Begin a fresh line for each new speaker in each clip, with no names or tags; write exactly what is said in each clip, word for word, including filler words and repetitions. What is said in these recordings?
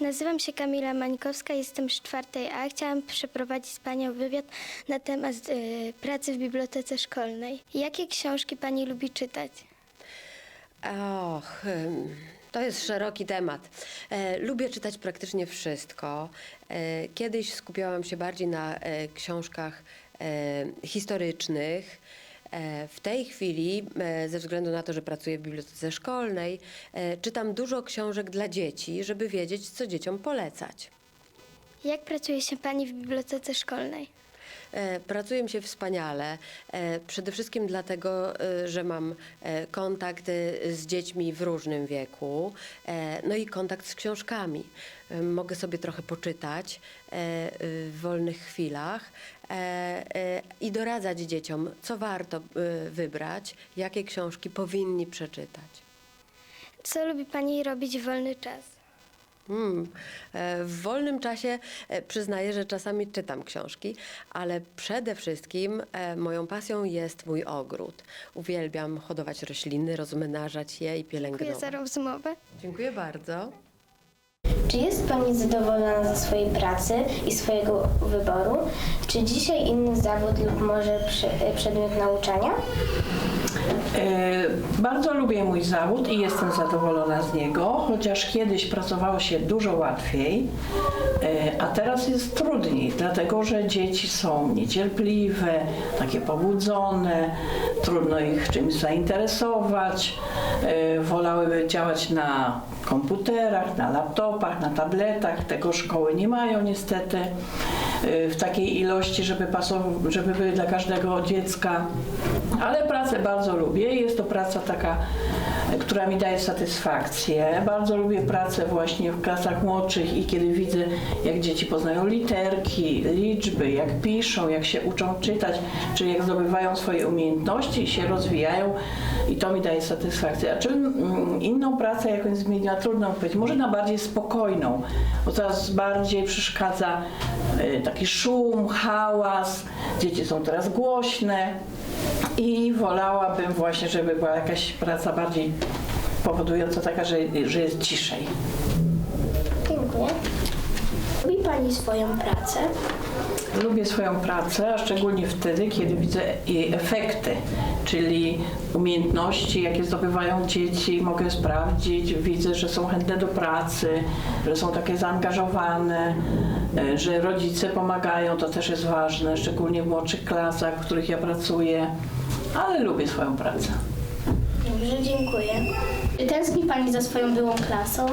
Nazywam się Kamila Mańkowska, jestem z czwartej A. Chciałam przeprowadzić z Panią wywiad na temat y, pracy w bibliotece szkolnej. Jakie książki Pani lubi czytać?
Och, ym, to jest szeroki temat. E, lubię czytać praktycznie wszystko. E, kiedyś skupiałam się bardziej na e, książkach e, historycznych. E, w tej chwili, e, ze względu na to, że pracuję w bibliotece szkolnej, e, czytam dużo książek dla dzieci, żeby wiedzieć, co dzieciom polecać.
Jak pracuje się Pani w bibliotece szkolnej?
E, Pracuje mi się wspaniale, e, przede wszystkim dlatego, e, że mam e, kontakt e, z dziećmi w różnym wieku, e, no i kontakt z książkami. E, Mogę sobie trochę poczytać e, e, w wolnych chwilach e, e, i doradzać dzieciom, co warto e, wybrać, jakie książki powinni przeczytać.
Co lubi Pani robić w wolny czas?
Hmm. E, W wolnym czasie e, przyznaję, że czasami czytam książki, ale przede wszystkim e, moją pasją jest mój ogród. Uwielbiam hodować rośliny, rozmnażać je i
Dziękuję
pielęgnować.
za rozmowę.
Dziękuję bardzo.
Czy jest Pani zadowolona ze swojej pracy i swojego wyboru? Czy dzisiaj inny zawód lub może przy, przedmiot nauczania?
E, Bardzo lubię mój zawód i jestem zadowolona z niego, chociaż kiedyś pracowało się dużo łatwiej, e, a teraz jest trudniej, dlatego że dzieci są niecierpliwe, takie pobudzone, trudno ich czymś zainteresować, e, wolałyby działać na komputerach, na laptopach, na tabletach. Tego szkoły nie mają niestety e, w takiej ilości, żeby, pasow- żeby były dla każdego dziecka. Ale pracę bardzo lubię. Jest to praca taka, która mi daje satysfakcję. Bardzo lubię pracę właśnie w klasach młodszych i kiedy widzę, jak dzieci poznają literki, liczby, jak piszą, jak się uczą czytać, czy jak zdobywają swoje umiejętności i się rozwijają, i to mi daje satysfakcję. A czy mm, inną pracę jakąś zmieniła? Trudno powiedzieć. Może na bardziej spokojną, bo coraz bardziej przeszkadza y, taki szum, hałas. Dzieci są teraz głośne. I wolałabym właśnie, żeby była jakaś praca bardziej powodująca taka, że, że jest ciszej.
Dziękuję. Lubi Pani swoją pracę?
Lubię swoją pracę, a szczególnie wtedy, kiedy widzę jej efekty, czyli umiejętności, jakie zdobywają dzieci, mogę sprawdzić, widzę, że są chętne do pracy, że są takie zaangażowane, że rodzice pomagają, to też jest ważne, szczególnie w młodszych klasach, w których ja pracuję, ale lubię swoją pracę.
Dobrze, dziękuję. Czy tęskni Pani za swoją byłą klasą?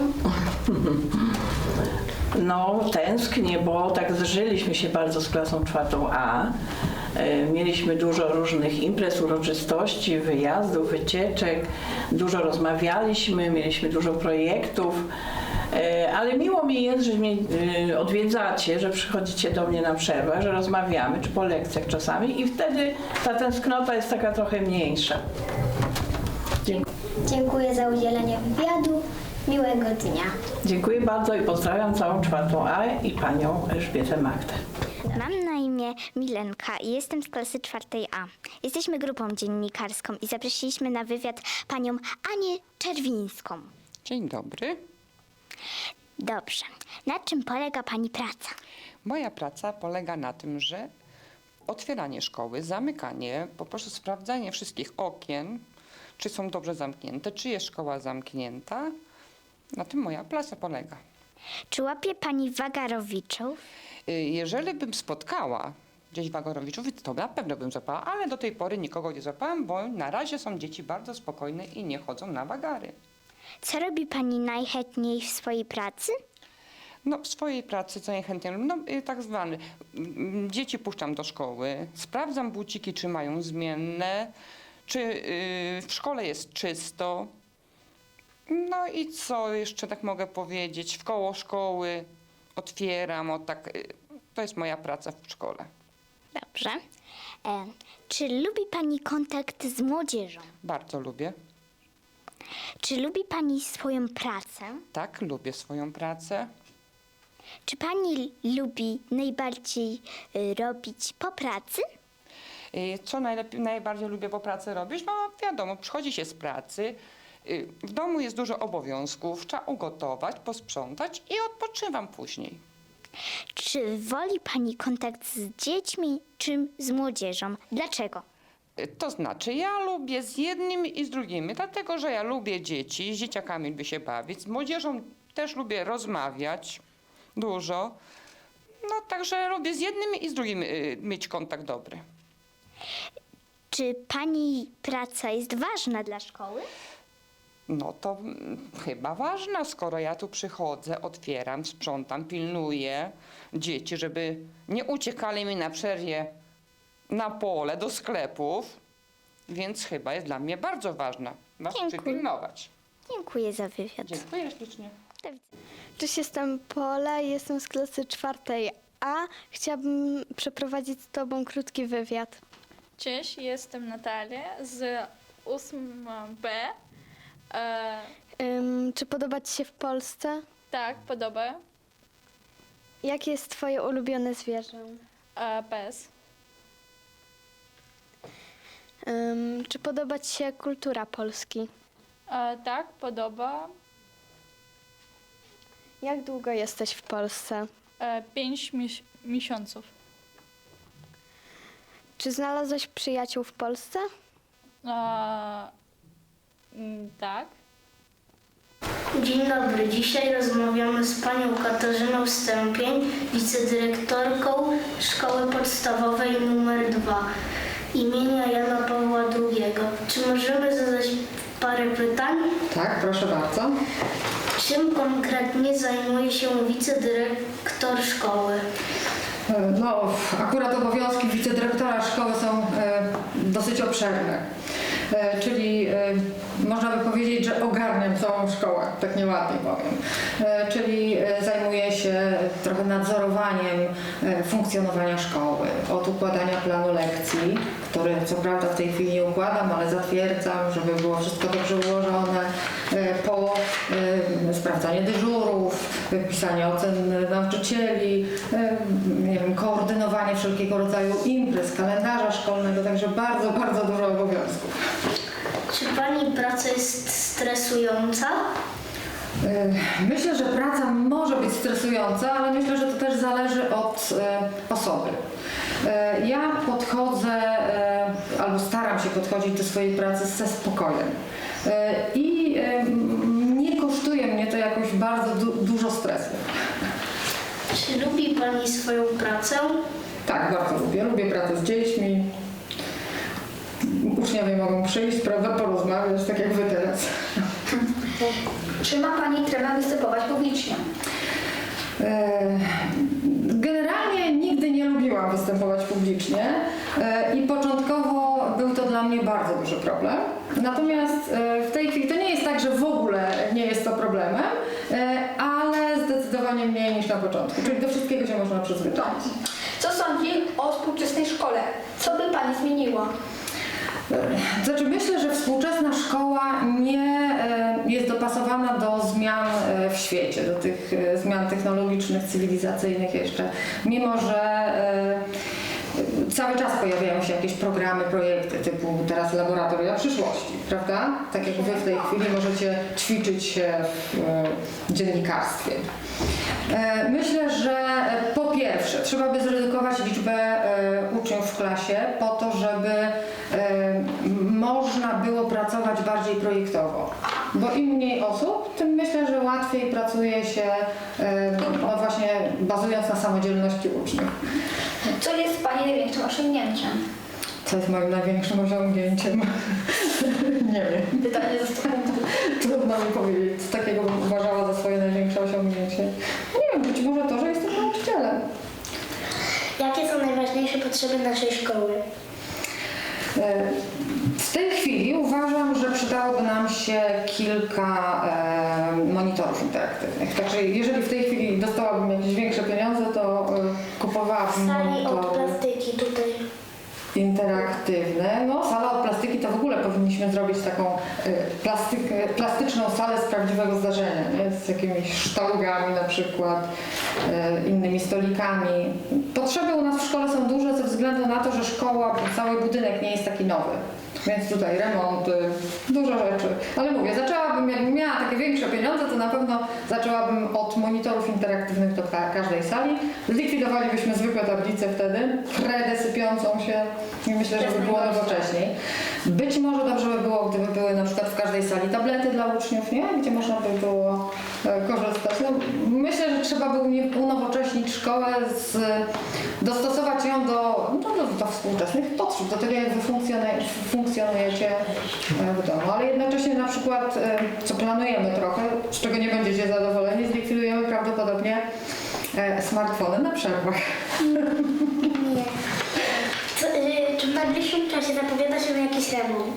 No, tęsknię, bo tak zżyliśmy się bardzo z klasą czwartą A. E, Mieliśmy dużo różnych imprez, uroczystości, wyjazdów, wycieczek, dużo rozmawialiśmy, mieliśmy dużo projektów, E, ale miło mi jest, że mnie e, odwiedzacie, że przychodzicie do mnie na przerwę, że rozmawiamy, czy po lekcjach czasami, i wtedy ta tęsknota jest taka trochę mniejsza. Dziękuję.
Dziękuję za udzielenie wywiadu. Miłego dnia.
Dziękuję bardzo i pozdrawiam całą czwartą A i panią Elżbietę Magdę.
Mam na imię Milenka i jestem z klasy czwartej A. Jesteśmy grupą dziennikarską i zaprosiliśmy na wywiad panią Anię Czerwińską.
Dzień dobry.
Dobrze. Na czym polega pani praca?
Moja praca polega na tym, że otwieranie szkoły, zamykanie, po prostu sprawdzanie wszystkich okien, czy są dobrze zamknięte, czy jest szkoła zamknięta. Na tym moja praca polega.
Czy łapie pani wagarowiczów?
Y, Jeżeli bym spotkała gdzieś wagorowiczów, to na pewno bym złapała, ale do tej pory nikogo nie złapałam, bo na razie są dzieci bardzo spokojne i nie chodzą na wagary.
Co robi pani najchętniej w swojej pracy?
No, w swojej pracy co najchętniej, no y, tak zwany, mm, dzieci puszczam do szkoły, sprawdzam buciki, czy mają zmienne, czy y, w szkole jest czysto. No i co jeszcze tak mogę powiedzieć, w koło szkoły otwieram, o tak, y, to jest moja praca w szkole.
Dobrze. E, czy lubi pani kontakt z młodzieżą?
Bardzo lubię,
Czy lubi pani swoją pracę?
tak, lubię swoją pracę.
Czy pani lubi najbardziej y, robić po pracy?
Y, Co najlepiej, najbardziej lubię po pracy robić? No wiadomo, przychodzi się z pracy, Y, W domu jest dużo obowiązków, trzeba ugotować, posprzątać i odpoczywam później.
Czy woli pani kontakt z dziećmi, czy z młodzieżą? Dlaczego?
Y, To znaczy, ja lubię z jednymi i z drugimi, dlatego że ja lubię dzieci, z dzieciakami lubię się bawić, z młodzieżą też lubię rozmawiać dużo. No także lubię z jednymi i z drugimi y, mieć kontakt dobry.
Czy pani praca jest ważna dla szkoły?
No to mm, chyba ważna, skoro ja tu przychodzę, otwieram, sprzątam, pilnuję dzieci, żeby nie uciekali mi na przerwie na pole, do sklepów, więc chyba jest dla mnie bardzo ważna. Was
Dziękuję.
przypilnować.
Dziękuję za wywiad.
Dziękuję ślicznie.
Do widzenia.
Cześć, jestem Pola, jestem z klasy czwartej A. Chciałabym przeprowadzić z Tobą krótki wywiad.
Cześć, jestem Natalia z ósmej B. E,
Ym, czy podoba Ci się w Polsce?
tak, podoba.
Jakie jest Twoje ulubione zwierzę?
E, pies.
Ym, czy podoba Ci się kultura Polski?
E, tak, podoba.
Jak długo jesteś w Polsce?
E, pięć mis- miesiąców.
Czy znalazłeś przyjaciół w Polsce?
E, mm, tak.
Dzień dobry. Dzisiaj rozmawiamy z panią Katarzyną Stępień, wicedyrektorką Szkoły Podstawowej numer dwa imienia Jana Pawła drugiego. Czy możemy zadać parę pytań?
Tak, proszę bardzo.
Czym konkretnie zajmuje się wicedyrektor szkoły?
No, akurat obowiązki wicedyrektora szkoły są e, dosyć obszerne. E, czyli e, można by powiedzieć, że ogarniam całą szkołę, tak nieładnie powiem. E, czyli e, zajmuję się trochę nadzorowaniem e, funkcjonowania szkoły, od układania planu lekcji, który co prawda w tej chwili nie układam, ale zatwierdzam, żeby było wszystko dobrze ułożone, e, po e, sprawdzanie dyżurów, pisanie ocen nauczycieli, e, nie wiem, koordynowanie wszelkiego rodzaju imprez, kalendarza szkolnego, także bardzo, bardzo dużo obowiązków.
Czy pani praca jest stresująca?
E, Myślę, że praca może być stresująca, ale myślę, że to też zależy od e, osoby. E, Ja podchodzę, e, albo staram się podchodzić do swojej pracy ze spokojem. E, I e, nie kosztuje mnie to jakoś bardzo du- dużo stresu.
Czy lubi pani swoją pracę?
Tak, bardzo lubię. Lubię pracę z dziećmi. Uczniowie mogą przyjść, prawda, porozmawiać, tak jak wy teraz.
Czy ma pani tremę występować publicznie?
E, Generalnie nigdy nie lubiłam występować publicznie e, i początkowo był to dla mnie bardzo duży problem. Natomiast e, w tej chwili to nie jest tak, że w ogóle nie jest to problemem, e, ale zdecydowanie mniej niż na początku, czyli do wszystkiego się można przyzwyczaić.
Co sądzi o współczesnej szkole? Co by pani zmieniła?
Znaczy myślę, że współczesna szkoła nie e, jest dopasowana do zmian e, w świecie, do tych e, zmian technologicznych, cywilizacyjnych jeszcze, mimo że e, cały czas pojawiają się jakieś programy, projekty typu teraz laboratoria przyszłości, prawda? Tak jak wy w tej chwili możecie ćwiczyć się w e, dziennikarstwie. E, Myślę, że po pierwsze trzeba by zredukować liczbę e, uczniów w klasie po to, żeby e, można było pracować bardziej projektowo. Bo im mniej osób, tym myślę, że łatwiej pracuje się e, no właśnie bazując na samodzielności uczniów.
Co jest pani największym osiągnięciem?
Co jest moim największym osiągnięciem? Nie wiem.
Pytanie za sto punktów.
Trudno mi powiedzieć, co takiego bym uważała za swoje największe osiągnięcie. Nie wiem, być może to, że jestem nauczycielem.
Jakie są najważniejsze potrzeby naszej szkoły?
E, W tej chwili uważam, że przydałoby nam się kilka e, monitorów interaktywnych. Także jeżeli w tej chwili dostałabym jakieś większe pieniądze, to e, kupowałabym
Sali od
monitory
plastyki tutaj.
interaktywne. No, sala od plastyki to w ogóle powinniśmy zrobić taką e, plastyk, plastyczną salę z prawdziwego zdarzenia, nie? Z jakimiś sztalugami na przykład, e, innymi stolikami. Potrzeby u nas w szkole są duże ze względu na to, że szkoła, cały budynek nie jest taki nowy. Więc tutaj remonty, dużo rzeczy. Ale mówię, zaczęłabym, jakbym miała takie większe pieniądze, to na pewno zaczęłabym od monitorów interaktywnych do ka- każdej sali. Zlikwidowalibyśmy zwykłe tablice wtedy, kredę sypiącą się i myślę, że by było nowocześniej. Być może dobrze by było, gdyby były na przykład w każdej sali tablety dla uczniów, nie? Gdzie można by było e, korzystać. No, myślę, że trzeba by unie- unowocześnić szkołę, z, dostosować ją do, no, do, do współczesnych potrzeb, do tego, jak wy funkcjonujecie, funkcjonujecie w domu. Ale jednocześnie na przykład, e, co planujemy trochę, z czego nie będziecie zadowoleni, zlikwidujemy prawdopodobnie e, smartfony na przerwach.
Nie. Co, y, czy w najbliższym czasie zapowiada się jakiś remont?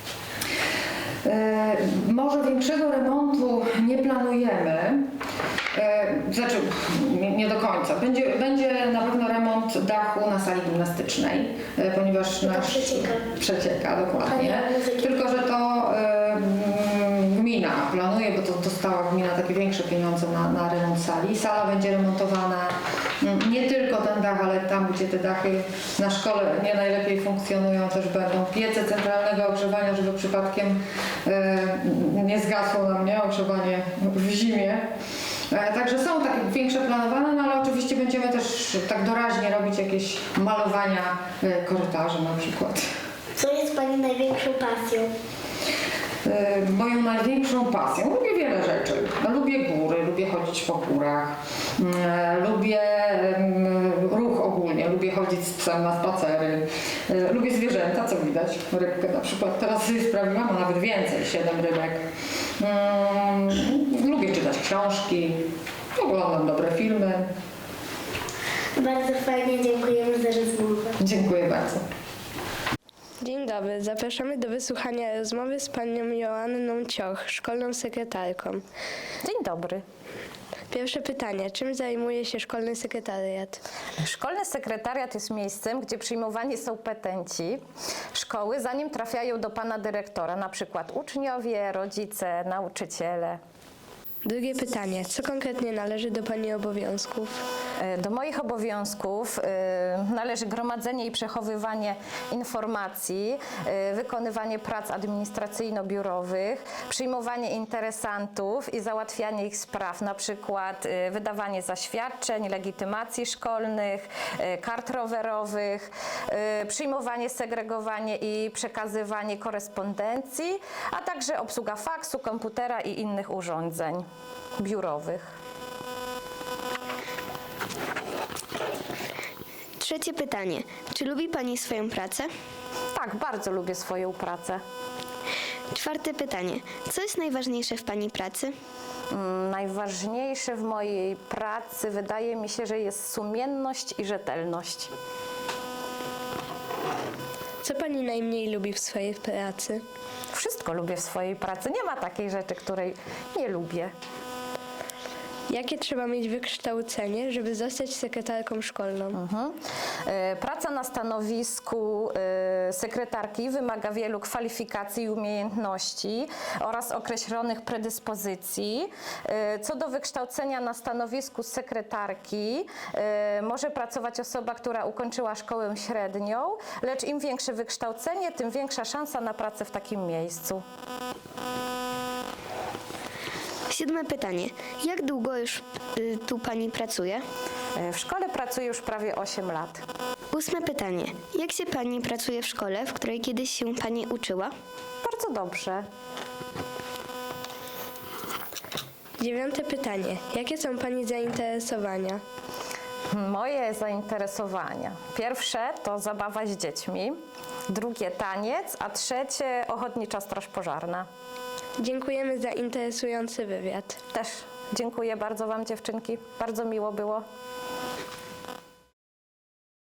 E, może większego remontu nie planujemy. E, znaczy, nie, nie do końca. Będzie, będzie na pewno remont dachu na sali gimnastycznej, e, ponieważ nasz
przecieka.
przecieka dokładnie.
A nie muzyki.
Tylko, że to e, mm, gmina planuje, bo to dostała gmina takie większe pieniądze na, na remont sali. Sala będzie remontowana, mm, nie tylko ten dach, ale tam, gdzie te dachy na szkole nie najlepiej funkcjonują, też będą piece centralnego ogrzewania, żeby przypadkiem e, nie zgasło nam nie ogrzewanie w zimie. E, Także są takie większe planowane, no ale oczywiście będziemy też tak doraźnie robić jakieś malowania e, korytarzy na przykład.
Co jest Pani największą pasją?
E, Moją największą pasją, lubię wiele rzeczy. No, lubię góry, lubię chodzić po górach, e, lubię em, ruch ogólnie, lubię chodzić z psem na spacery, e, lubię zwierzęta, co widać, rybkę na przykład. Teraz sobie sprawiłam, a nawet więcej, siedem rybek. Mm, lubię czytać książki, oglądam dobre filmy.
Bardzo fajnie, dziękujemy za rozmowę.
Dziękuję bardzo.
Dzień dobry, zapraszamy do wysłuchania rozmowy z panią Joanną Cioch, szkolną sekretarką.
Dzień dobry.
Pierwsze pytanie, czym zajmuje się szkolny sekretariat?
Szkolny sekretariat jest miejscem, gdzie przyjmowani są petenci szkoły, zanim trafiają do pana dyrektora, na przykład uczniowie, rodzice, nauczyciele.
Drugie pytanie, co konkretnie należy do pani obowiązków?
Do moich obowiązków y, należy gromadzenie i przechowywanie informacji, y, wykonywanie prac administracyjno-biurowych, przyjmowanie interesantów i załatwianie ich spraw, na przykład y, wydawanie zaświadczeń, legitymacji szkolnych, y, kart rowerowych, y, przyjmowanie, segregowanie i przekazywanie korespondencji, a także obsługa faksu, komputera i innych urządzeń biurowych.
Trzecie pytanie. Czy lubi pani swoją pracę?
Tak, bardzo lubię swoją pracę.
Czwarte pytanie. Co jest najważniejsze w pani pracy?
Mm, Najważniejsze w mojej pracy wydaje mi się, że jest sumienność i rzetelność.
Co pani najmniej lubi w swojej pracy?
Wszystko lubię w swojej pracy. Nie ma takiej rzeczy, której nie lubię.
Jakie trzeba mieć wykształcenie, żeby zostać sekretarką szkolną?
Mhm. E, Praca na stanowisku e, sekretarki wymaga wielu kwalifikacji i umiejętności oraz określonych predyspozycji. E, Co do wykształcenia na stanowisku sekretarki e, może pracować osoba, która ukończyła szkołę średnią, lecz im większe wykształcenie, tym większa szansa na pracę w takim miejscu.
Siódme pytanie. Jak długo już y, tu pani pracuje?
E, W szkole pracuję już prawie osiem lat.
Ósme pytanie. Jak się pani pracuje w szkole, w której kiedyś się pani uczyła?
Bardzo dobrze.
Dziewiąte pytanie. Jakie są pani zainteresowania?
Moje zainteresowania. Pierwsze to zabawa z dziećmi, drugie taniec, a trzecie ochotnicza straż pożarna.
Dziękujemy za interesujący wywiad.
Też dziękuję bardzo wam, dziewczynki. Bardzo miło było.